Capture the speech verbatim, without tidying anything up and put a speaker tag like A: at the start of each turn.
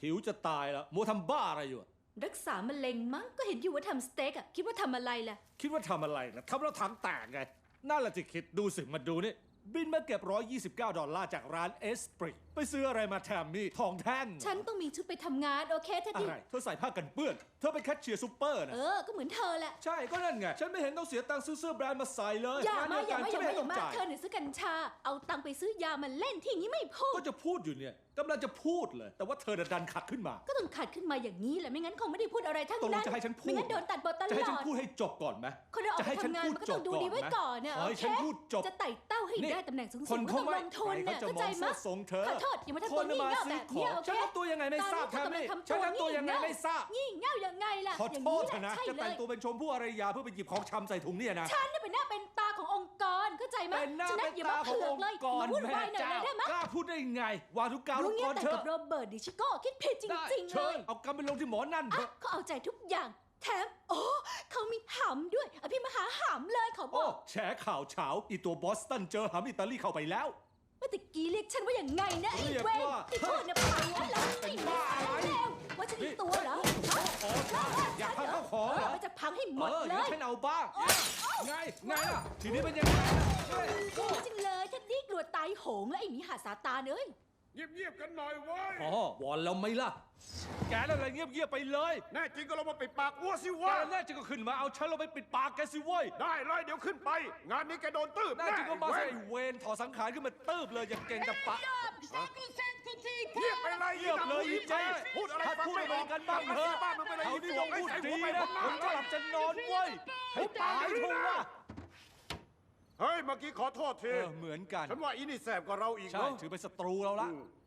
A: หิวจะตายแล้วมัวทำบ้าอะไรอยู่
B: รักษามะเร็งมั้งก็เห็นอยู่ว่าทำสเต็กอะคิดว่าทำอะไรล่ะ
A: คิดว่าทำอะไรนะทำแล้วถังแตกไงนั่นแหละที่คิดดูสิมาดูนี่บินมาเก็บหนึ่งร้อยยี่สิบเก้าดอลลาร์จากร้านเอสปรีไปซื้ออะไรมาแทมมี่ทองแท่ง
B: ฉันต้องมีชุดไปทำงานโอเคเท็ดดี้
A: อะไรเธอใส่ผ้ากันเปื้อนเธอเป็นแคชเชียร์ซูเปอร์นะ
B: เออก็เหมือนเธอแหละ
A: ใช่ก็นั่นไงฉันไม่เห็นต้องเสียตังค์ซื้อเสื้อแบรนด์มาใส่เลย
B: อย่ามาอย่ามาอย่ามาอย่ามา
A: เธอ
B: เธอเนี่ยซื้อกัญชาเอาตังค์ไปซื้อยามาเล่นที่อย่างนี้ไม่พูด
A: ก็จะพูดอยู่เนี่ยกำลังจะพูดเลยแต่ว่าเธอดันขัดขึ้นมา
B: ก็ต้องขัดขึ้นมาอย่างนี้แหละไม่งั้นคงไม่ได้พูดอะไรทั้งนั้น
A: จะให้ฉันพูด
B: ไม่งั้นโดนตัดบทตลอด
A: จะให้ฉันพูดให้จบก่อนไหม
B: คนเราออกไปทำงานมันก็ต้องดูดีไว้ก่อนเนี่ยโอเคจะไต่เต้าให้ได้ตำแหน่งสูงๆก็ต้องลงทุนเนี่ยเข้าใจมั้ยขอโทษอย่ามาทำตัวงี่เง่าแบบนี้โอเค
A: ฉันทำตัวยังไงไม่ทราบแทมมี่ฉันทำตัวยังไงไม่ทราบ
B: งี่เง่ายังไงล่ะ
A: ขอโทษนะจะแต่งตัวเป็นชมพู่อารยาเพื่อไปหยิบของชำใส่ถุงเนี่ยนะ
B: ฉันเนี่ยเป็นหน้าเป็นตาขององค์กรเข้าใจมั้ย
A: เป็นหน้าเป็นตาขององค์กรแม่เจ้ากล้าพูดได้ไงวาทุกกาวทุกคนเถอะ
B: กับโรเบิร์ตดิชิโก้คิดผิดจริงๆเลย
A: เอากำไปลงที่หมอนั่นเถอะ
B: เขาเอาใจทุกอย่างแถมโอ้เขามีหำด้วยอภิมหาหำเลยเขาบอก
A: แฉข่าวเฉาอีตัวบอสตันเจอหำอิตาลีเข้าไปแล้ว
B: เมื่อตะกี้เรียกฉันว่าอย่างไงนะไอ้เว้ยที่พูดนะปากว่าแล้วไอ้บ้าแล้วว่าฉันอีตัวเหรอ
A: อยากพังข้าวของเหรอ
B: มันจะพังให้หมดเลย
A: ฉันเอาบ้างไงไงล่ะทีนี้เป็นยังไง
B: จริงเลยฉันนี่กลัวตายโหงแล้วไอ้หมีหาซาตานเอ้ย
C: เงียบๆกันหน่อยเว้ย
A: อ๋อวอนแล้วไหมล่ะแกนั่นอะไรเงียบๆไปเลย
C: แน่จริงก็ลงมาปิดปากวัวสิวะ
A: แกแน่จริงก็ขึ้นมาเอาฉันลงไปปิดปากแกสิเว้ย
C: ได้เลยเดี๋ยวขึ้นไปงานนี้แกโดนตืบ
A: แน่จริงก็มาใส่เวรถอดสังขารขึ้นมาตืบเลยอย่างเก่งกับปะ
C: เงียบไปเลย
A: เงียบเลยอีเจ
C: พูดอะไร
A: พูดอะไรกันบ้างเถอะเขาที่ต้องพูดดีนะผมจะหลับจะนอนเว้ยให้ตายเถอะว่ะ
C: เฮ้ยเมื่อกี้ขอโทษที
A: เหมือนกัน
C: ฉันว่าอีนี่แสบกว่าเราอีก
A: ใช่ถือเป็นศัตรูเราละ